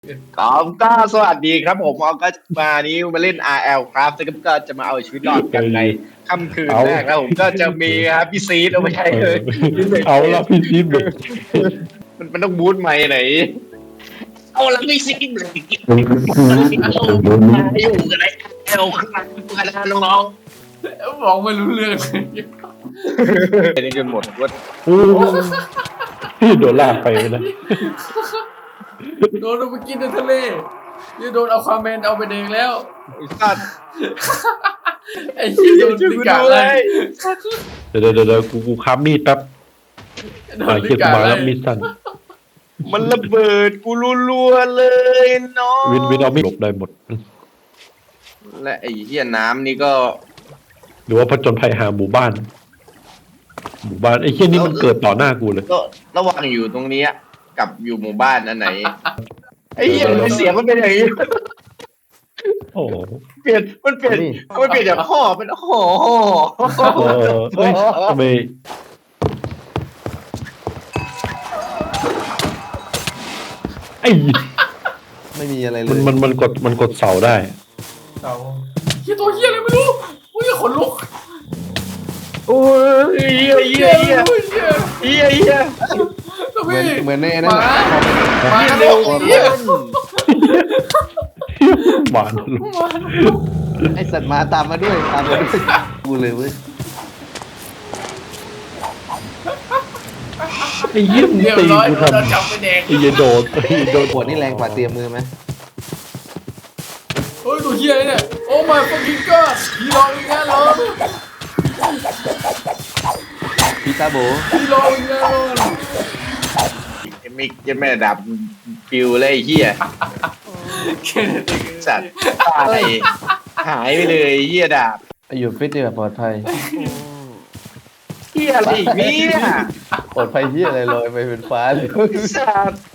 ครับก็สวัสดีครับผมเอาก็มานี้มาเล่น RL ครับแล้วก็จะมาเอาชีวิตรอดกันในค่ำคืนแรกแล้วผมก็จะมีครับพี่ซีดเอาไม่ใช่เลยเอาละพี่ซีดแบบมันต้องบูทใหม่ไหนเอาละพี่ซีดเลยอยู่กันไหนเอาข้างหลังกันนะน้องบอกไม่รู้เรื่องเลยๆเป็นจนหมดว่าพี่โดนลากไปนะโดนเอาไปกินในทะเลนี่โดนเอาความแมนเอาไปเองแล้วไอ้สัตว์ไอ้ที่โดนช่วยลิกูกาดูเลเลย ยเดี๋ยวกูค้ำมีดแป๊บโดหานลิเคียกามาเลแล้วยมีดสั่นมันระเบิดกูรัวๆเลยน้องวินเอามีดหลบได้หมดและไอ้เหี้ยน้ำนี่ก็หรือว่าผจญภัยหาหมู่บ้าน หมู่บ้านไอ้เหี้ยนี่มันเกิดต่อหน้ากูเลยก็ระหว่างอยู่ตรงนี้กับอยู่หมู่บ้านอันไหนไอ้เหี้ยเสียงมันเป็นอย่างนี้โอ้โหมันเปลี่ยนจากห่อเป็นห่อเฮ้ยทำไมไอ้ไม่มีอะไรเลยมันกดเสาได้เต่าเฮียตัวเฮียอะไรไม่รู้อุ้ยขนลุกโอ้ยเหี้ยเฮียเฮียตัวเหมือนพี่เหมือนในหนั้นมาน่ะหมาเร็วเฮียหวานลงไอสัตว์มาตามมาด้วยกูเลยเว้ยไอ้เหี้ยมึงเรียบตีร้อยกูโดนทำจับไปแดงไอ้เหี้ยโดนโดนปวดนี่แรงกว่าเตรียมมือไหมเฮ้ยตัวเฮียเนี่ยโอ้ my fucking god พี่รออีกแล้วเหรอพี่ตาโบพี่รออีกแล้วเหรอมิกจะแม่ดับฟิวเลยเหี้ยแค่นั้นเองสัตว์ตายหายไปเลยเหี้ยดาบอยู่ฟิตเนี่ยปลอดภัยเหี้ยอะไรอีกเนี่ยปลอดภัยที่อะไรลอยไปเป็นฟ้าเลยสัตว์